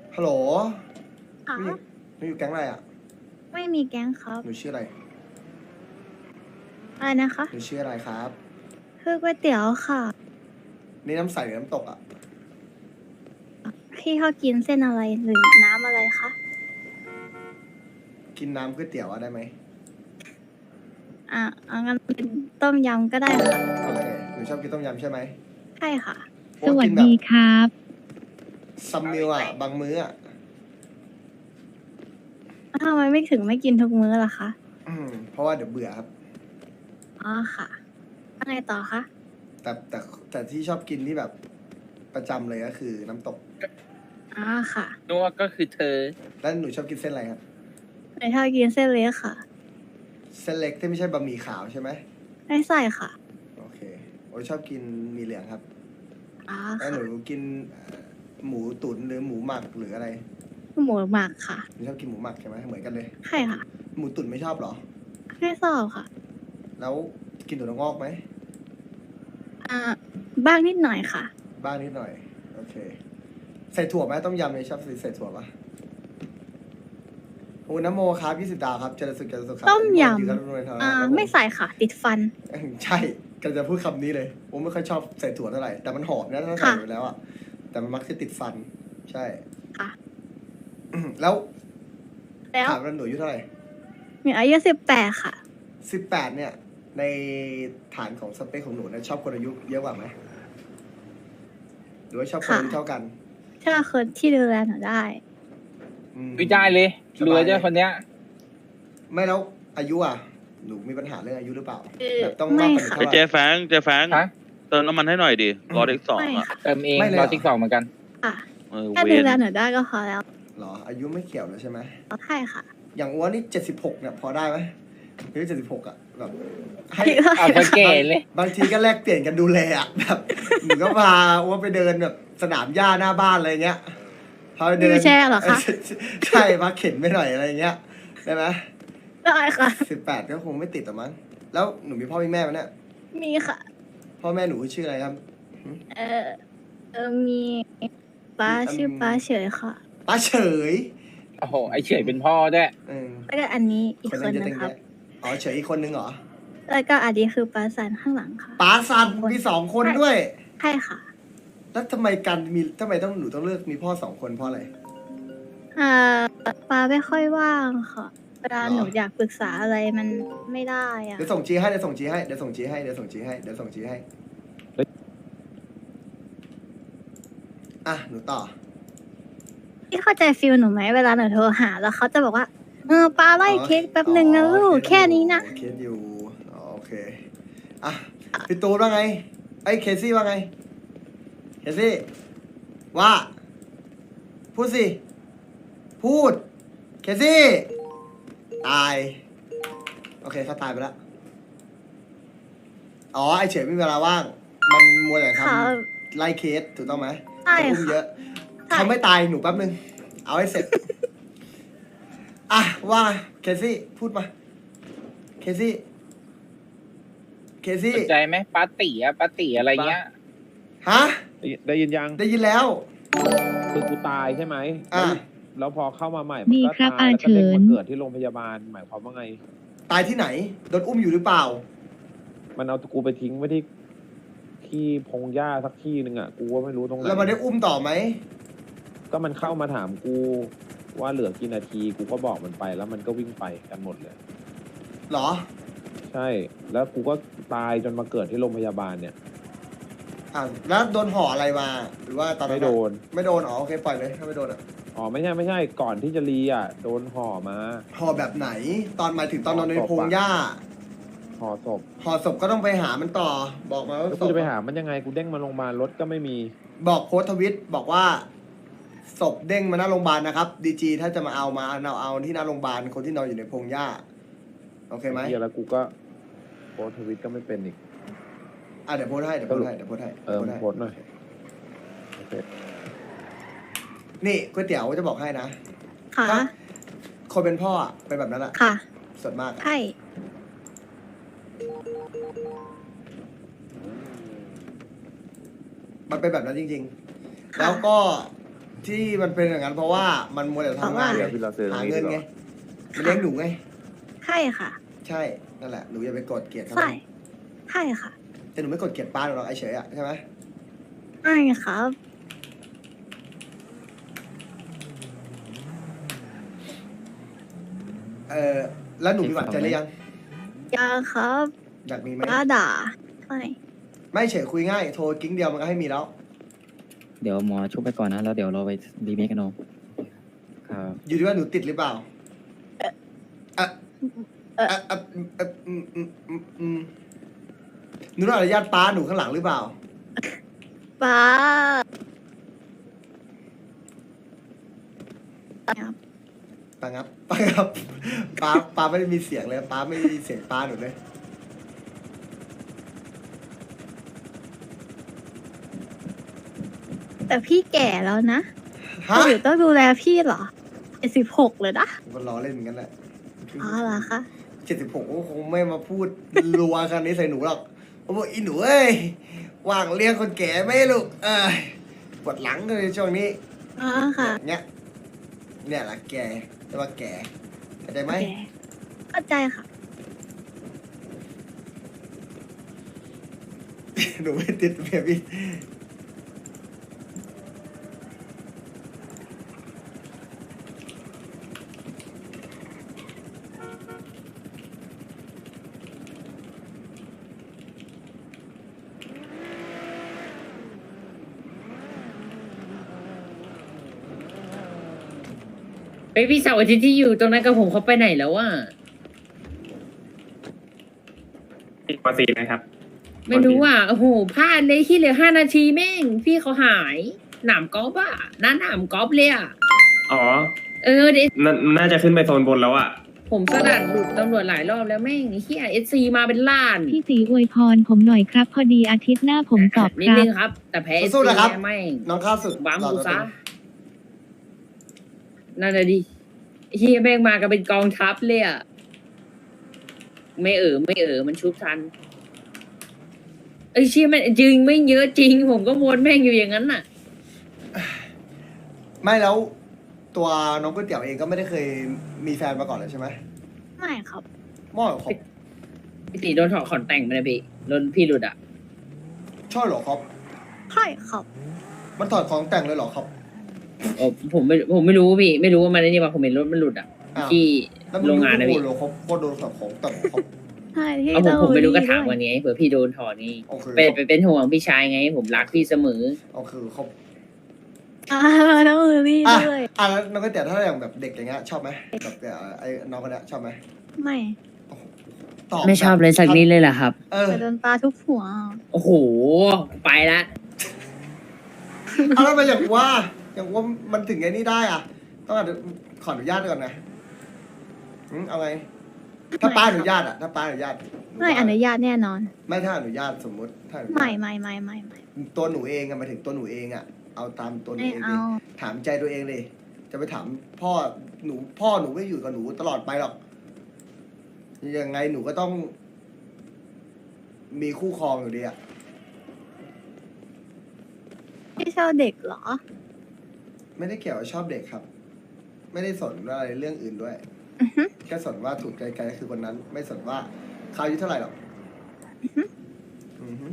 ฮัลโหลค่ะหนูอยู่แก๊งอะไรอ่ะไม่มีแก๊งครับหนูชื่ออะไรอะไรนะคะหนูชื่ออะไรครับคือก๋วยเตี๋ยวค่ะนี่น้ำใสหรือน้ำตกอ่ะพี่เขากินเส้นอะไรหรือน้ำอะไรคะกินน้ำก๋วยเตี๋ยวอะได้ไหมงั้นเป็นต้มยำก็ได้ค่ะโอเค หนูชอบกินต้มยำใช่ไหมใช่ค่ะเพราะากินแบบครับซัมมิวอ่ะ บางมื้ออ่ะทำไมไม่ถึงไม่กินทุกมื้อล่ะคะเพราะว่าเดี๋ยวเบื่อครับอ๋อค่ะว่าไงต่อคะแต่ที่ชอบกินที่แบบประจำเลยก็คือน้ำตกอ๋อค่ะนัวก็คือเธอแล้วหนูชอบกินเส้นอะไรครับในชอบกินเส้นเล็กค่ะเส้นเล็กที่ไม่ใช่บะหมี่ขาวใช่ไหมไม่ใส่ค่ะโอเคโอ้ยชอบกินหมีเหลืองครับอ๋อแล้วหค่ะนูกินหมูตุ๋นหรือหมูหมักหรืออะไรหมูหมักค่ะหนูชอบกินหมูหมักใช่ไหมเหมือนกันเลยใช่ค่ะหมูตุ๋นไม่ชอบเหรอไม่ชอบค่ะแล้วกินถั่วงอกไหมอ่า บ้างนิดหน่อยค่ะบ้างนิดหน่อย โอเค ใส่ถั่วไหมต้มยำเนี่ยชอบใส่ถั่วปะโอ้น้ำโมครับ20 ดาวครับเจริญสุขครับต้มยำยืนกันรวยๆครับไม่ใส่ค่ะ ติดฟันใช่กำลังจะพูดคำนี้เลยผมไม่ค่อยชอบใส่ถั่วเท่าไหร่ แต่มันหอมนะถ้าใส่ค่ะไปแล้วอ่ะ แต่มันมักจะติดฟัน ใช่ค่ะแล้วแล้วถามว่าหนูอายุเท่าไหร่มีอายุ18ค่ะ 18เนี่ย ในฐานของสเปคของหนูเนี่ยชอบคนอายุเยอะกว่าไหมหรือว่าชอบคนอายุค่ะเท่ากันถ้าคนที่ดูแลหนูได้ไม่ได้เลยสบายรวยด้วยคนเนี้ยไม่แล้วอายุอ่ะ หนูมีปัญหาเรื่องอายุหรือเปล่า แบบต้องไม่มากกว่าหนูค่ะเท่าไหเจร่แฟงเจแฟงฮะเติมน้ำมันให้หน่อยดิรอเด็กสองไม่อ่ะค่ะเติมเองไม่เลยรเหรออติ๊กสองเหมือนกันค่ะเวแค่ดูรแลหนูได้ก็พอแล้วหรอ อายุไม่เกี่ยวเลยใช่ไหมใช่ค่ะอย่างอ้วนนี่76เนี่ยพอได้ไหมอายุ76อ่ะแบบให้เอาไปเก๋เลยบางทีก็แลกเปลี่ยนกันดูแลอ่ะแบบหนูก็พาอ้วนไปเดินแบบสนามหญ้าหน้าบ้านอะไรเงี้ยพาไปเดินวิวแชร์เหรอคะใช่พาเข็นไปหน่อยอะไรเงี้ยได้ไหมได้ค่ะ 18ก็คงไม่ติดหรอกมั้งแล้วหนูมีพ่อมีแม่ไหมเนี่ยมีค่ะพ่อแม่หนูชื่ออะไรครับเออมีป้าชื่อป้าเฉยค่ะป้าเฉยโอ้โห ไอเฉยเป็นพ่อด้วยเออแล้วก็อันนี้อีกคนคนั้นนจะนึเต็งงครับแยะอ๋อเฉยอีกคนนึงเหรอแล้วก็อันนี้คือป้าสันข้างหลังค่ะป้าซันมี2 คนด้วยใช่ค่ะแล้วทำไมทำไมหนูต้องเลือกมีพ่อ2 คนเพราะอะไรอ่าป้าไม่ค่อยว่างค่ะ เวลาหรอหนูอยากปรึกษาอะไรมันไม่ได้อะเดี๋ยวส่งจีให้เดี๋ยวส่งจีให้เดี๋ยวส่งจีให้เดี๋ยวส่งจีให้เดี๋ยวส่งจีให้อ่ะหนูต่อพี่เข้าใจฟิลหนูไหมเวลาหนูโทรหา แล้วเขาจะบอกว่าป้าไล่เค้กแป๊บหนึ่งนะลูกแค่นี้นะเคสอยู่อ๋อโอเคอ่ะพี่ตูนว่าไงไอ้ยเคซี่ว่าไงเคซี่ว่าพูดสิพูดเคซี่ตายโอเคเขาตายไปแล้วอ๋อไอเฉยไม่มีเวลาว่างมันมัวแต่ทค่ะำไล่เคสถูกต้องไหมใช่จะอุ้มค่ะเยอะใช่เขาไม่ตายหนูแป๊บนึง เอาให้เสร็จ อ่ะว่าเคซี่พูดมา เคซี่เคซี่สนใจไหมปาร์ตี้อะปาร์ตี้อะไรเงี้ยฮะได้ยินยังได้ยินแล้วคือกูตายใช่ไหมอ่ะแล้วพอเข้ามาใหม่ดีมันก็ครับตายแล้วก็เด้งอาเฉิมาน เกิดที่โรงพยาบาลหมายความว่าไงตายที่ไหน โดนอุ้มอยู่หรือเปล่ามันเอากูไปทิ้งไว้ที่พงหญ้าสักที่หนึ่งอ่ะ กูก็ไม่รู้ตรงไหนแล้วมันได้อุ้มต่อไหมก็มันเข้ามาถามกูว่าเหลือกี่นาที กูก็บอกมันไปแล้วมันก็วิ่งไปกันหมดเลยหรอใช่ แล้วกูก็ตายจนมาเกิดที่โรงพยาบาลเนี่ยอ่ะแล้วโดนห่ออะไรมา หรือว่าตอนนั้นไม่โดนไม่โดน อ๋อโอเคปล่อยเลยถ้าไม่โดนอ่ะอ๋อไม่ใช่ ก่อนที่จะรีอ่ะ โดนห่อมาห่อแบบไหน ตอนหมายถึงตอนนอนในพงหญ้าห่อศพห่อศพก็ต้องไปหามันต่อ บอกมาว่าแล้วศกูพจะไปหามันยังไง กูเด้งมาโรงพยาบาลรถก็ไม่มีบอกโพสต์ทวิตบอกว่าศพเด้งมาหน้าโรงพยาบาลนะครับดีจีถ้าจะมาเอาที่หน้าโรงพยาบาลคนที่นอนอยู่ในพงหญ้าโอเคไหมเหี้ยแล้วกูก็โพสต์ทวิตก็ไม่เป็นอีกอ่ะเดี๋ยวโพสต์ให้เดี๋ยวโพสต์ให้เดี๋ยวโพสต์ให้โพสต์หน่อยโอเคนี่ก๋วยเตี๋ยวจะบอกให้นะค่ะถ้าคนเป็นพ่ออะเป็นแบบนั้นอะค่ะส่วนมากอะใช่มันเป็นแบบนั้นจริง ๆ แล้วก็ที่มันเป็นอย่างนั้นเพราะว่ามันมัวแต่ทำงานเดี๋ไงยวพี่เราซื้อตรหางนี้เงินดีกไงว่ามันเลี้ยงหนูไงใช่ค่ะใช่นั่นแหละหนูอย่าไปกดเกลียดเขาใช่ใช่ค่ะแต่หนูไม่กดเกลียดป้าหนูหรอกไอ้เฉยอะใช่ไหมใช่ครับแล้วหนูมีหวานใจหรือยังยาครับอยากมีไหมป้าด่าใช่ไม่เฉยคุยง่ายโทรกิ้งเดียวมันก็ให้มีแล้วเดี๋ยวหมอชุบไปก่อนนะ แล้วเดี๋ยวเราไปรีเมคกันเอาครับอยู่ที่ว่าหนูติดหรือเปล่าหนูต้องอนุญาตป้าหนูข้างหลังหรือเปล่าป้าป้างับป้างับป้าไม่ได้มีเสียงเลยป้าไม่ได้ยินเสียงป้าหนูเลยแต่พี่แก่แล้วนะฮะหนูต้องดูแลพี่เหรอ76เลยนะผมก็ล้อเล่นเหมือนกันแหละอ๋อเหรอคะ 76ก็คงไม่มาพูดรัวกันนี้ใส่หนูหรอกผมบอกอีหนูเอ้ยว่างเลี้ยงคนแก่ไหม่ลูกปวดหลังเลยช่วงนี้อ๋อค่ะเนี่ยแหละแกจะว่าแกเข้าใจไหมแก่เข้าใจค่ะหนูไม่ติดเมียพี่เฮ้ยพี่เสาวอาทิตย์ที่อยู่ตรงนั้นกับผมเขาไปไหนแล้วอ่ะปกตินะครับไม่รู้อ่ะโอ้โหพลาดเลยที่เหลือ5 นาทีแม่ง พี่เขาหาย หนามกอล์ฟอ่ะหนามกอล์ฟเลยอ่ะอ๋อเดี๋ยวน่าจะขึ้นไปโซนบนแล้วอะผมสลัดหลุดตำรวจหลายรอบแล้วแม่งไอ้เฮียSCมาเป็นล้านพี่ตีอวยพรผมหน่อยครับ พอดีอาทิตย์หน้าผมสอบนิดครันึบงครับ แต่แพ้ SC สู้ๆนะครับแม่งน้องข้าวสุดวางหล่อกูตัวซะตึงนั่นแหละดิไอ้เฮียแม่งมากันเป็นกองทัพเลยอ่ะไม่มันชุบทันไอ้เชี่ยมันจริงไม่เยอะจริง ผมก็วนแม่งอยู่อย่างนั้นน่ะไม่แล้ว ตัวน้องก๋วยเตี๋ยวเองก็ไม่ได้เคยมีแฟนมาก่อนเลยใช่ไหมไม่ครับม่อเหรอครับพี่ตีโดนถอดขอนแต่งไปนะพี่โดนพี่หลุดอ่ะชอบเหรอครับใช่ครับมันถอดของแต่งเลยเหรอครับโอ้ผมไม่รู้พี่ไม่รู้ว่ามันไอ้นี่ว่าผมเห็นรถมันหลุดอ่ะอ้าวที่แล้วมึโรงงานนะรู้พี่เหรอครับว่าโดนถอดของแต่งเหรอครับใช่ที่เอาผมไม่รู้ก็ถามด้วันนี้เผื่อพี่โดนถอดนี่โอเคเป็นห่วงพี่ชายไง ผมรักพี่เสมอโอเคครับต้องมือพี่อ่ะด้วยแล้วน้องก๋วยเตี๋ยวถ้าอย่างแบบเด็กอย่างเงี้ยชอบไหมแบบไอ้น้องคนเนี้ยชอบไหมไม่ตอบไม่ชอบเลยสักนิดเลยเหรอครับเออแต่โดนปลาทุกหัวโอ้โห ไปละเอาแล้วมาอย่างว่ามันถึงไอ้นี่ได้อ่ะ ต้องขออนุญาตก่อนนะเอาไง ถ้าป้าอนุญาตอ่ะ ถ้าป้าอนุญาตหไม่ว่าอนุญาตแน่นอนไม่ถ้าอนุญาตสมมติถ้าอนุญาตไม่ตัวหนูเองอะหมายถึงตัวหนูเองอะเอาตามตัวหนูไม่เองเอาดิถามใจตัวเองเลย จะไปถามพ่อหนูไม่อยู่กับหนูตลอดไปหรอกยังไงหนูก็ต้อง มีคู่ครองอยู่ดีอะพี่ชอบเด็กเหรอไม่ได้เกี่ยวกับชอบเด็กครับ ไม่ได้สนอะไรเรื่องอื่นด้วยอือฮึแค่สนว่าถูกใจใครคือคนนั้น ไม่สนว่าเขาอายุเท่าไหร่หรอกอือฮึ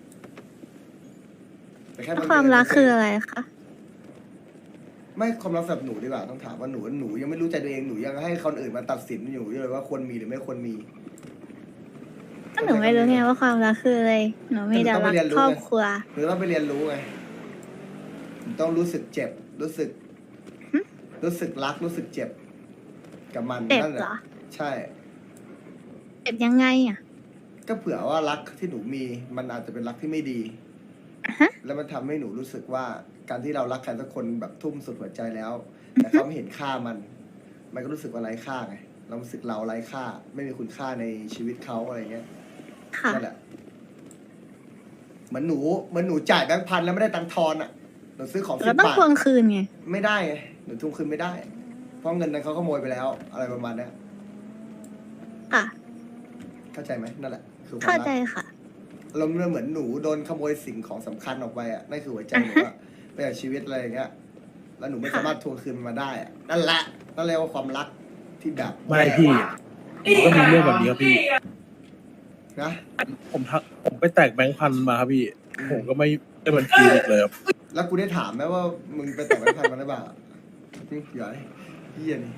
แต่แค่แล้วบงทีความรักคืออะไรคะไม่ความรักสำหรับหนูดีกว่าต้องถามว่าหนูยังไม่รู้ใจตัวเองหนูยังให้คนอื่นมาตัดสินอยู่เลยว่าควรมีหรือไม่ควรมีก็หนูไม่รู้ไงว่าความรักคืออะไร หนูมีแต่รักครอบครัวหรือต้องไปเรียนรู้ไงหนูต้องรู้สึกเจ็บ รู้สึกรักรู้สึกเจ็บ กับมันเจ็บนั่นแหเหรละอใช่เจ็บยังไงอ่ะก็เผื่อว่ารักที่หนูมีมันอาจจะเป็นรักที่ไม่ดีอ่ะฮะแล้วมันทำให้หนูรู้สึกว่าการที่เรารักใครสักคนแบบทุ่มสุดหัวใจแล้ว แต่เขาไม่เห็นค่ามันก็รู้สึกว่าไร้ค่าไงเรารู้สึกเราไร้ค่า ไม่มีคุณค่าในชีวิตเขาอะไรเงี้ยค่ะนั่นแหละเหมือนหนูจ่ายแบงค์พันแล้วไม่ได้ตังค์ทอนอ่ะหนูซื้อของเราต้อง 10 บาททวงคืนไงไม่ได้ไงหนูทวงคืนไม่ได้ เพราะเงินนั้นเขาขโมยไปแล้ว อะไรประมาณเนี้ยค่ะเข้าใจไหมนั่นแหละคือความเข้ารักใจค่ะเราเหมือนหนูโดนขโมยสิ่งของสำคัญออกไปอ่ะนั่นคือหัวใจหนูอะไปจากชีวิตอะไรอย่างเงี้ยแล้วหนูไม่สามารถทวงคืนมันมาได้อะนั่นแหละนั่นเรียกว่าความรักที่แบบไม่พี่ผมก็มีเรื่องแบบนี้ครับพี่นะผมไปแตกแบงค์พันมาครับพี่ ผมก็ไม่ได้บัญชีอีกเลยครับแล้วกูได้ถามไหมว่ามึงไปแต่งงานมันหรือเปล่าอย่าให้เฮียนี่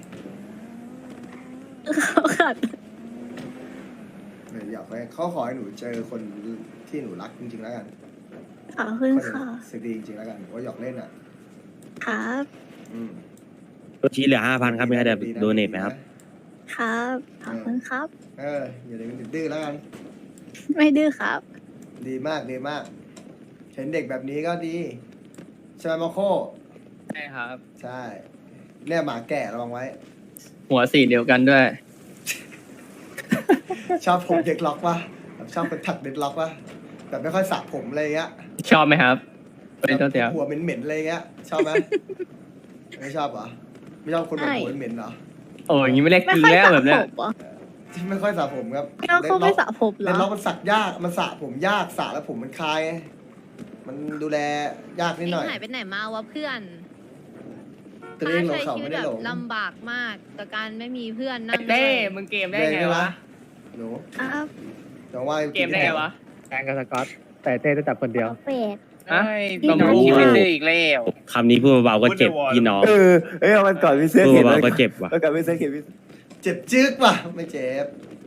เขาขัดเนี่ยอยากให้เขาขอให้หนูเจอคนที่หนูรักจริงๆแล้วกันขอบคุณค่ะสึกดีจริงๆแล้วกันว่าหยอกเล่นอ่ะครับอืมชี้เหลือ5,000ครับมีใครจะโดเนทไหมครับครับขอบคุณครับอย่าเด็กดื้อแล้วกันไม่ดื้อครับดีมากดีมาก เห็นเด็กแบบนี้ก็ดีใช่ไหมมาโคใช่ครับใช่ เนี่ยหมาแก่ระวังไว้หัวสีเดียวกันด้วยชอบผมเด็กล็อกปะแบบชอบเป็นถักเด็กล็อกปะแบบไม่ค่อยสระผมอะไรเงี้ยชอบไหมครับเป็นตัวเดียวหัวเหม็นๆอะไรเงี้ย ชอบไหม ไม่ชอบเหรอ ไม่ชอบคนแบบหัวเหม็นๆเหรอโอ้ยอย่างนี้ไม่เล็กไม่จริงค่อยแล้วสระแบบผเนี้ยมเหรอที่ไม่ค่อยสระผมครับเราเขาไม่สระผมเหรเด็กล็อกอมันสักยาก มันสระผมยากสระแล้วผมมันคลายไงมันดูแลยากนิดหน่อยหายไปไหนมาวะเพื่อนตัวเองหลงใช้เขาชีวิไม่ตได้แบหลบงลำบากมากกับการไม่มีเพื่อนนั่งเต้ด้วยมึงเกมได้ไงวะหนูครับน้องว่าเกมได้ไงวะแฟนกับสกอต แต่เต้ได้จับคนเดียวเป็ดฮะต้องรู้ไม่ดื้ออีกแล้วคำนี้พูดเบาๆก็เจ็บพี่น้องเอ้ยมันก่อนพี่เสื้อพูดเขียนเบาๆก็เจ็บว่ะมันก่อนพี่เสื้อเขียนเจ็บจึ๊กว่ะไม่เจ็บ